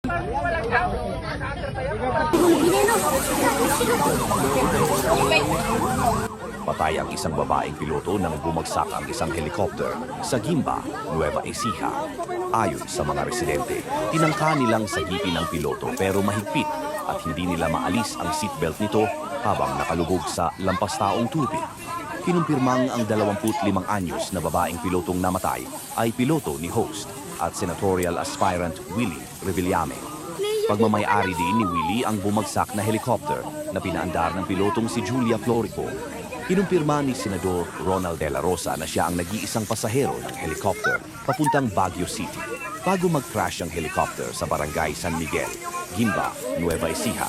Patay ang isang babaeng piloto nang bumagsak ang isang helicopter sa Gimba, Nueva Ecija. Ayon sa mga residente, tinangka nilang sagipin ang piloto pero mahigpit at hindi nila maalis ang seatbelt nito habang nakalubog sa lampastaong tubig. Kinumpirmang ang 25 anyos na babaeng pilotong namatay ay piloto ni host at senatorial aspirant Willie Revillame. Pagmamay-ari din ni Willie ang bumagsak na helicopter na pinaandar ng pilotong si Julia Florico. Kinumpirma ni Senador Ronald De La Rosa na siya ang nag-iisang pasahero ng helicopter papuntang Baguio City bago mag-crash ang helicopter sa barangay San Miguel, Gimba, Nueva Ecija.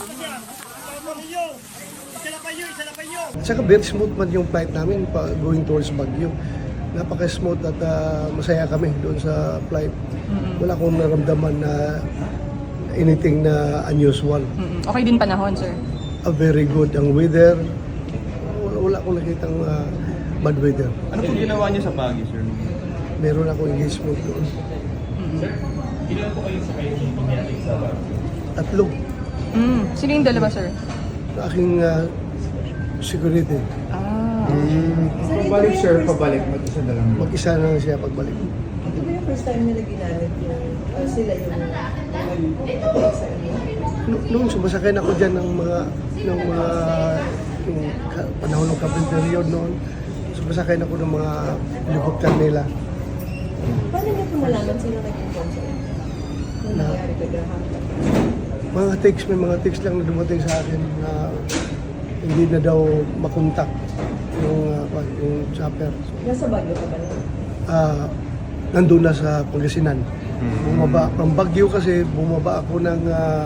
Saka very smooth man yung flight namin going towards Baguio. Napaka-smooth at masaya kami doon sa flight. Wala akong naramdaman na anything na unusual. Okay din panahon, sir? Very good ang weather. Wala akong nakitang bad weather. Ano po ginawa niyo sa Baguio, sir? Meron akong engagement doon. Sir, ilan po kayo sa kayo nangyari sa Baguio? Tatlo. Sino yung dalawa, sir? Aking security. Pabalik sir, pabalik. Mag-isa na lang. Mag-isa na siya pagbalik. Ito ba yung first time nila ginamit yung sila yung sa inyo? Nung sumasakay na ako dyan ng mga yung panahon ng kapit period noon, sumasakay na ako ng mga helicopter nila. Paano niyo po malaman sino nag-inform sa inyo? Nung nangyari kagahan? May mga text lang na dumating sa akin na hindi na daw makontak yung chopper. Nasa Baguio ka ba na? Nandun na sa Pangasinan. Bumaba, from Baguio kasi bumaba ako ng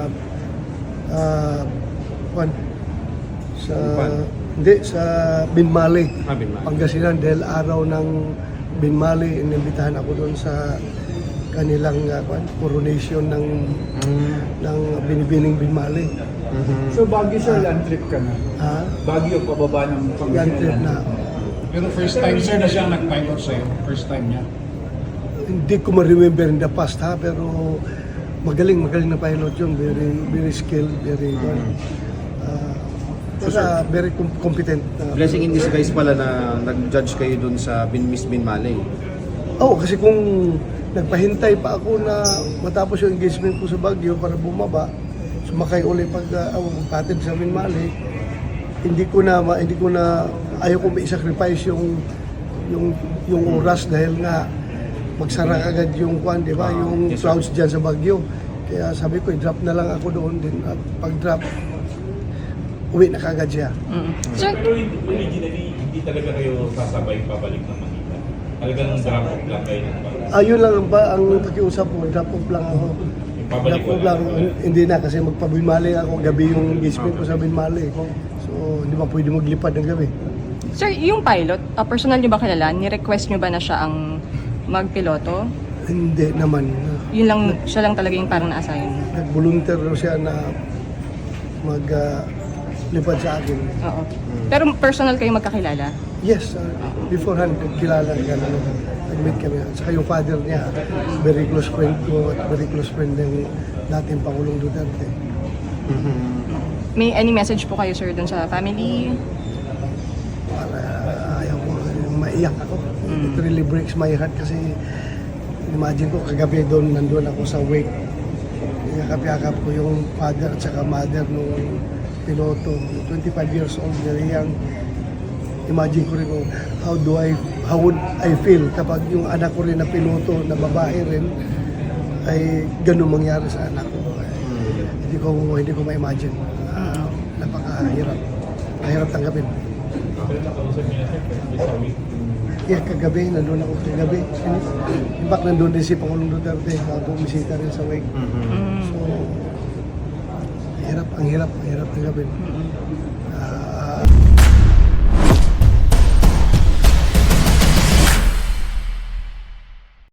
sa Binmali, Pangasinan dahil araw ng Binmali, inimbitahan ako doon sa kanilang coronation ng binibining Binmali. So Baguio sir, land trip ka na? Baguio, pababa ng Land Pangasinan. trip na. Pero first time sir na siya nag-pilot sa'yo, first time niya. Hindi ko ma-remember in the past pero magaling na pilot yun, very skilled, very good. Very competent. Blessing in disguise pala na nag-judge kayo dun sa Miss Binmalay. Kasi kung nagpahintay pa ako na matapos yung engagement ko sa Baguio para bumaba, sumakay uli patid sa Binmali, hindi ko na ayaw ko mai-sacrifice yung oras dahil nga magsara agad yung di ba, yung clouds diyan sa Baguio. Kaya sabi ko, i-drop na lang ako doon din at pag-drop uwi na kagad siya. Sir, Pero originally, hindi talaga kayo sasabay pabalik ng Manila. Talagang drop off lang kayo ng Manila. Ayun lang ang pakiusap ko, drop off lang ako. Yung pabalik Drop off lang, hindi na kasi magpabinmali ako, gabi yung engagement ko sa Binmali. So, hindi ba pwede maglipad ng gabi. sir, yung pilot, personal niyo ba kilala? Ni-request niyo ba na siya ang magpiloto? Hindi naman. Yun lang, siya lang talaga yung parang na-assign. Nag-volunteer siya na maglipad sa akin. Oo. Pero personal kayo magkakilala? Yes, beforehand, kilala ka na nag-meet kami. At saka yung father niya, very close friend ko at very close friend ng dating Pangulong Duterte. May any message po kayo, sir, dun sa family? Para ayaw ko, maiyak ako. It really breaks my heart kasi imagine ko kagabi nandun ako sa wake. Yakap-yakap ko yung father at saka mother nung piloto. 25 years old, very young. Imagine ko rin kung how would I feel kapag yung anak ko rin na piloto na babae rin ay ganun mangyari sa anak ko. Hindi ko ma-imagine. Napakahirap. Mahirap tanggapin. Yeah, kagabi, nandun ako kagabi. In fact, nandun din si Pangulong Duterte bumisita rin sa wake. So, ang hirap tanggapin.